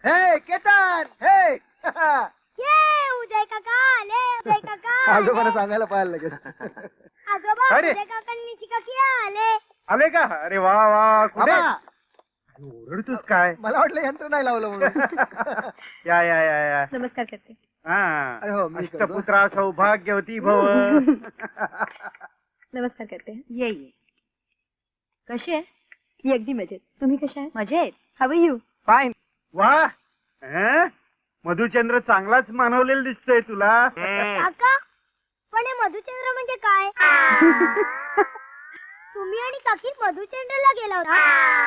हे केतन हे ये उदय काका आले. उदय काका आजोबाला सांगायला पाहायला लागेल. आजोबा अरे. उदय काकांनी शिकाकी आले. आले का? अरे वा वा. कुठे बाबा, ओरडतोस काय? मला वाटलं यंत्र नाही लावलं म्हणून. या या या या. नमस्कार करते. अरे हो, मी करतो. अष्टपुत्रा सौभाग्यवती भव. नमस्कार करते. ये कशी आहे? मी अगदी मजेत. तुम्ही कशा आहे? मजेत. How you? फाईन. वा. हं? मधुचंद्र चांगलाच मानवलेलं दिसतोय तुला. काका पण हे मधुचंद्र म्हणजे काय? तुम्ही आणि काकी मधुचंद्रला गेला होता.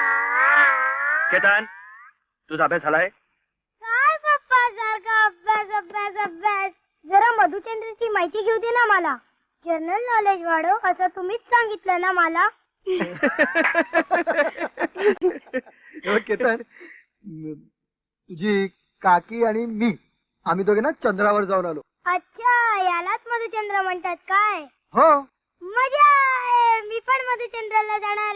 केतन तुझा अभ्यास झालाय? काय पप्पा सारखा अभ्यास अभ्यास अभ्यास. जरा मधुचंद्रची माहिती घेऊ दे ना मला. जनरल नॉलेज वाढव असं तुम्हीच सांगितलं ना मला. हे केतन, तुझी काकी आणि मी आम्ही दोघे ना चंद्रावर जाऊन आलो. अच्छा यालाच मधुचंद्र म्हणतात काय? हो. मजा आहे. मी पण मधुचंद्राला जाणार.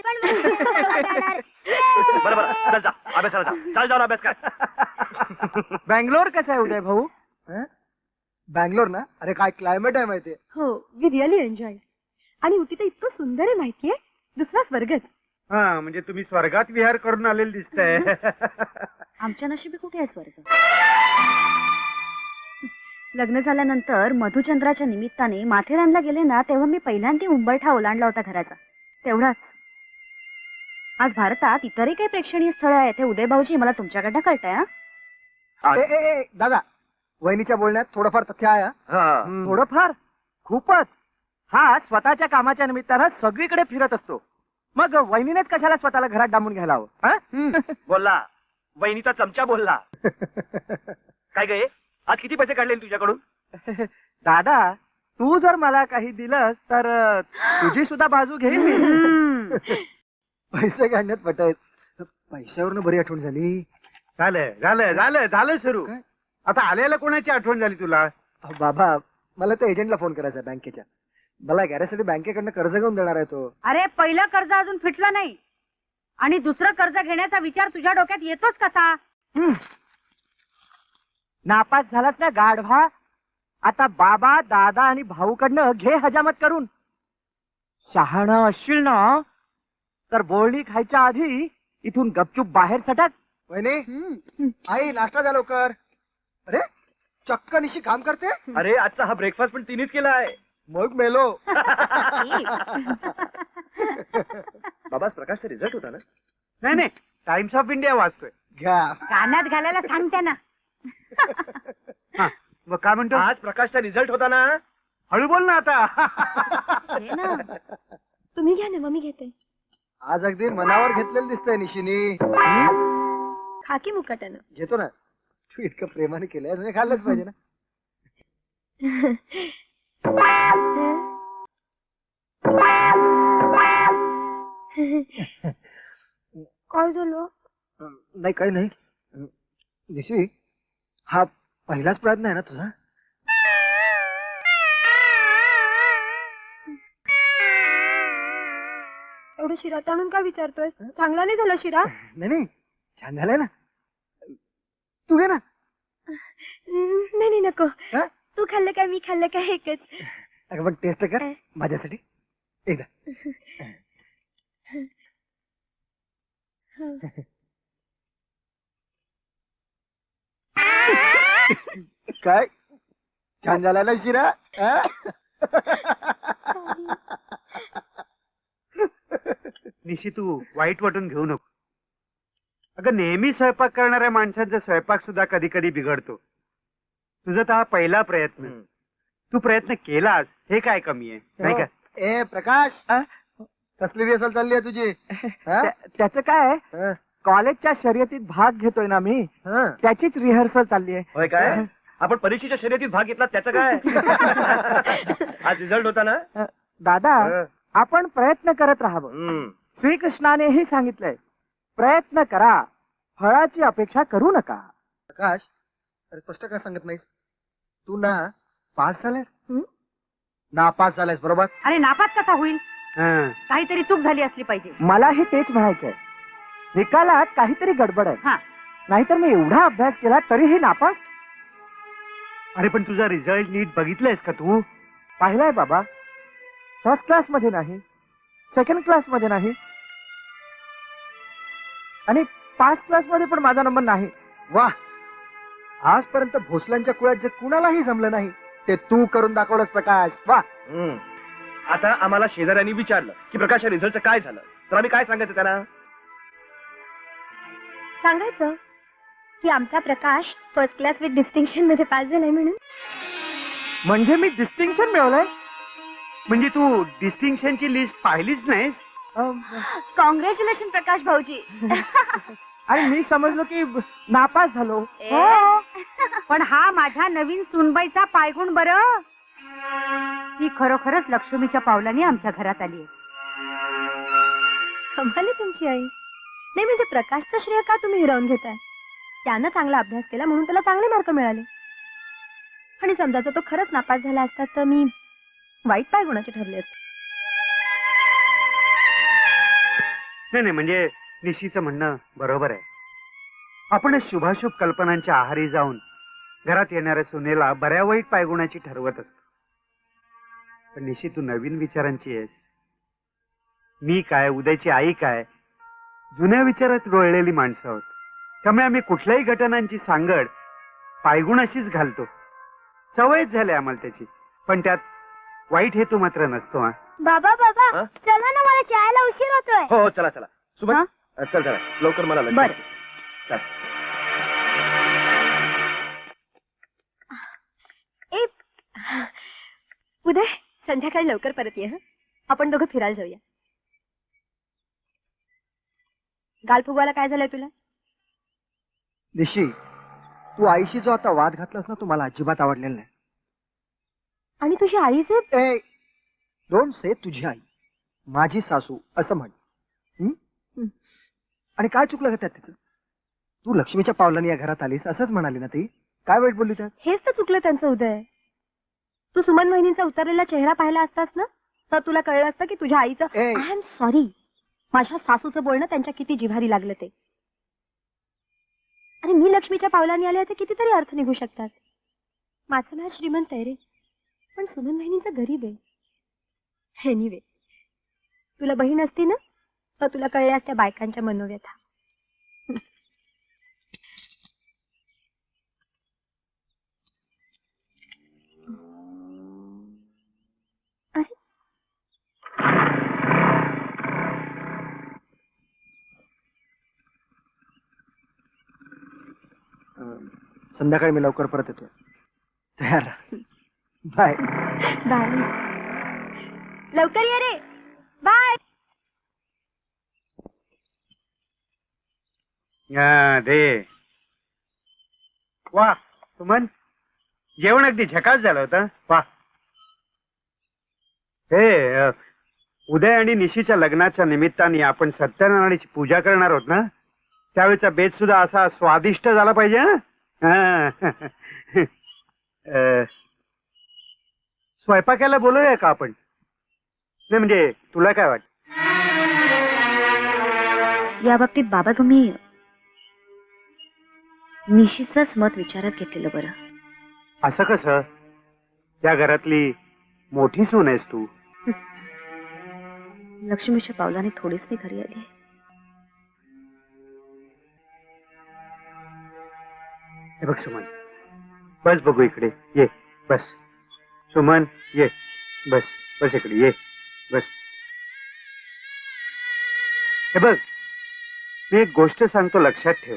बरं बरं चल जा अभ्यासाला जा. चाल जाऊन अभ्यास कर. बँगलोर कसं आहे उदय भाऊ? हं? बँगलोर ना, अरे काय क्लायमेट आहे माहितीये. हो वी रिअली एन्जॉय. आणि उटी तर इतकं सुंदर आहे माहितीये. दुसरा स्वर्गच. हा म्हणजे तुम्ही स्वर्गात विहार करून आलेले दिसतंय. आमच्या नशिबी कुठे आहे स्वर्ग? लग्न झाल्यानंतर मधुचंद्राच्या निमित्ताने माथेरानला गेले ना, तेव्हा मी पहिल्यांदा उंबरठा ओलांडला होता घराचा. तेवढाच. आज भारतात इतरही काही प्रेक्षणीय स्थळ आहेत हे उदय भाऊजी मला तुमच्याकडनं कळतंय. दादा, वहिनीच्या बोलण्यात थोडंफार तथ्य आहे. हा. थोडंफार खूपच. हा स्वतःच्या कामाच्या निमित्तानं सगळीकडे फिरत असतो. मग वहिनीनेच कशाला स्वतःला घरात डांबून घ्यायला हवं? हं? बोलला वहिनीचा चमचा बोलला. काय गे आज किती पैसे काढले तुझ्याकडून? दादा तू जर मला काही दिलंस तर तुझी सुद्धा बाजू घेईन मी. पैसे काढण्यात पटायत. पैशावरनं बरी आठवण झाली. झालं झालं झालं झालं सुरू. काय? आता आलेला कोणाची आठवण झाली तुला? बाबा, मला त्या एजंटला फोन करायचा बँकेच्या. मला गॅरेजसाठी बँकेकडनं कर्ज घेऊन देणार आहे तो. अरे पहिलं कर्ज अजून फिटलं नाही आणि दुसरं कर्ज घेण्याचा विचार तुझ्या डोक्यात येतोच कसा? नापास झालास ना गाढवा. आता बाबा दादा आणि भाऊकडनं घे हजामत करून. शहाणं असशील ना तर बोलणी खायच्या आधी इथून गपचूप बाहेर सटक. वहिनी, आई नाश्ता द्या लवकर. अरे चक्क निशी काम करते. अरे आजचा हा ब्रेकफास्ट पण तिनेच केला आहे. मग मेलो. बाबाच प्रकाशचा रिझल्ट होता ना? नाही नाही टाइम्स ऑफ इंडिया वाचतोय. घ्या. कानात घालायला सांगते ना. हा, मग काय म्हणतो? आज प्रकाशचा रिझल्ट होता ना? हळू बोल ना आता. हे ना. तुम्ही घ्या ना मग मी घेते. आज अगदी मनावर घेतलेलं दिसतंय निशिनी. खाकी मुकाट्यानं. घेतो ना. तू इतकं प्रेमाने केलंय म्हणजे खाल्लंच पाहिजे ना. काय झालं? नाही काही नाही. निशी, हा पहिलाच प्रयत्न आहे ना तुझा? एवढं शिरा ताणून काय विचारतोय? चांगला नाही झाला शिरा? नाही नाही, छान झालंय ना. तू घे ना. नाही नाही नको. हा? तू खाल्लं काय मी खाल्लं काय एकच. अगं पण टेस्ट कर माझ्यासाठी एकदा. काय छान झाला ना शिरा? निशी तू वाईट वाटून घेऊ नको. अगं नेहमी स्वयंपाक करणाऱ्या माणसांचा स्वयंपाक सुद्धा कधी कधी बिघडतो. तुझा तर हा पहिला प्रयत्न. तू प्रयत्न केलास हे काय कमी आहे नाही का? ए प्रकाश, कसली रिहर्सल चालली आहे तुझी? त्याचं काय हं, कॉलेजच्या शर्यतीत भाग घेतोय ना मी, हं. त्याचीच रिहर्सल चालली आहे. होय काय? आपण परीक्षेच्या शर्यतीत भाग घेतला त्याचं काय? आज रिझल्ट होता ना? दादा आपण प्रयत्न करत राहावं. श्रीकृष्णानेही सांगितलंय प्रयत्न करा, फळाची अपेक्षा करू नका. प्रकाश, अरे स्पष्ट काय सांगत नाहीस? तू ना पास झालायस, नापास झालायस, बरोबर? अरे नापास कसा होईल? हं. काहीतरी चूक झाली असली पाहिजे. मलाही तेच म्हणायचंय. निकालात काहीतरी गडबड आहे. हा नाहीतर मी एवढा अभ्यास केला तरीही नापास. अरे पण तुझा रिझल्ट नीट बघितलायस का तू? पाहिलाय बाबा, फर्स्ट क्लास मध्ये नाही, सेकंड क्लास मध्ये नाही, आणि पास क्लास मध्ये पण माझा नंबर नाही. वा, आजपर्यंत भोसल्यांच्या कुळात जे कुणालाही जमलं नाही ते तू करून दाखवलंस प्रकाश. वा. आता आम्हाला शेजाऱ्यांनी विचारलं की प्रकाशच्या रिझल्टचं काय झालं, तर आम्ही काय सांगायचं त्यांना? सांगायचं की आमचा Prakash first class with distinction मध्ये पास झालाय म्हणून. म्हणजे मी डिस्टिंक्शन मिळवलंय. म्हणजे तू डिस्टिंक्शनची लिस्ट पाहिलीच नाहीस? कॉंग्रॅच्युलेशन प्रकाश भाऊजी. आणि मी समजलो की नापास झालो. हो. पण हा माझ्या नवीन सुनबाईचा पायगुण बरं. ती खरोखरच लक्ष्मीच्या पावलाने आमच्या घरात आली. कमाल आहे तुमची आई. नाही म्हणजे प्रकाशचं श्रेय का तुम्ही हिरावून घेताय? त्यानं चांगला अभ्यास केला म्हणून त्याला चांगले मार्क मिळाले. आणि समजा तो खरंच नापास झाला असता तर मी वाईट पाय गुणाचे ठरले असते. नाही नाही, म्हणजे निशीचं म्हणणं बरोबर आहे. आपण शुभाशुभ कल्पनांच्या आहारी जाऊन घरात येणाऱ्या सुनेला बऱ्या वाईट पायगुणाची ठरवत असतो. पण निशी, तू नवीन विचारांची आहेस. मी काय, उद्याची आई काय, जुन्या विचारात रोळलेली माणसं आहोत. त्यामुळे आम्ही कुठल्याही घटनांची सांगड पायगुणाशीच घालतो. सवयच झाली आम्हाला त्याची. पण त्यात वाईट हेतू मात्र नसतो. हा, बाबा बाबा हा? चला ना, मला शाळेला उशीर होतोय. हो चला चला सुमन, हा? चल चला लवकर, मला lunch बरं. चल. ए उदय, संध्याकाळी लवकर परत ये. हं? आपण दोघं फिरायला जाऊया. गाल फुगवायला काय झालंय तुला? निशी, तू आईशी जो आता वाद घातलास ना, तू मला अजिबात आवडलेला नाही. आणि तुझी आईचे ए, डोंट से तुझी आई, माझी सासू असं म्हण. हं? आणि काय चुकलं का त्यात तिचं? तू लक्ष्मीच्या पावलाने या घरात आलीस असंच म्हणाली ना ती. काय वाईट बोलली त्यात? हेच तर चुकलं त्यांचं उदय. तू सुमन वहिनींचा उतरलेला चेहरा पाहिला असतास ना, तर तुला कळलं असतं की तुझ्या आईचं ए. आय एम सॉरी, माझ्या सासूचं बोलणं त्यांच्या किती जिव्हारी लागलं ते. अरे मी लक्ष्मीच्या पावलाने आले तर कितीतरी अर्थ निघू शकतात. माझं नाव श्रीमंत आहे रे, पण सुमन वहिनीचं गरीब आहे. एनिवे, तुला बहीण असती ना तर तुला कळल्या असत्या बायकांच्या मनोव्यथा. अरे संध्याकाळी मी लवकर परत येतोय. तयार राहा. बाय. बाय. लवकर ये रे. बाय. दे. वा सुमन, जेवण अगदी झकास झालं होतं. वा. हे उदय आणि निशीच्या लग्नाच्या निमित्ताने आपण सत्यनारायणाची पूजा करणार आहोत ना, त्यावेळेचा बेत सुद्धा असा स्वादिष्ट झाला पाहिजे. हा? स्वयंपाकाला बोलूया का आपण? नाही म्हणजे तुला काय वाटत? या बाबतीत बाबा तुम्ही निशीचंच मत विचारात घेतलेलं बरं. असं कसं? त्या घरातली मोठी सून आहेस तू. लक्ष्मीच्या पावलाने थोडीच मी घरी आली. हे बघ सुमन, बस बघू इकडे ये. बस सुमन, ये. बस बस इकडे ये. बस. हे बघ, मी एक गोष्ट सांगतो, लक्षात ठेव.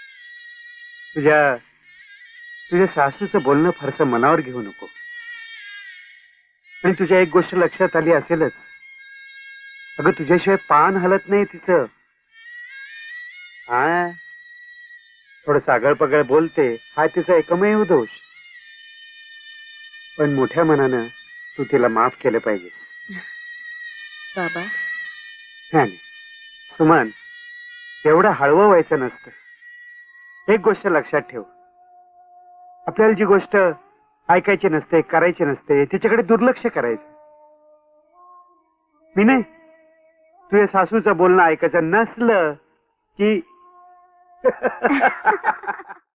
तुझ्या सासूचं बोलणं फारसं मनावर घेऊ नको. आणि तुझ्या एक गोष्ट लक्षात आली असेलच, अगं तुझ्याशिवाय पान हलत नाही तिचं. हा, थोडं सागळ पगळ बोलते, हा तिचा एकमेव दोष. पण मोठ्या मनानं तू तिला माफ केलं पाहिजे. बाबा नाही सुमन, एवढं हळवं व्हायचं नसतं. एक गोष्ट लक्षात ठेव, आपल्याला जी गोष्ट ऐकायची नसते, करायची नसते, तिच्याकडे दुर्लक्ष करायचं. मी नाही, तुझ्या सासूचं बोलणं ऐकायचं नसलं की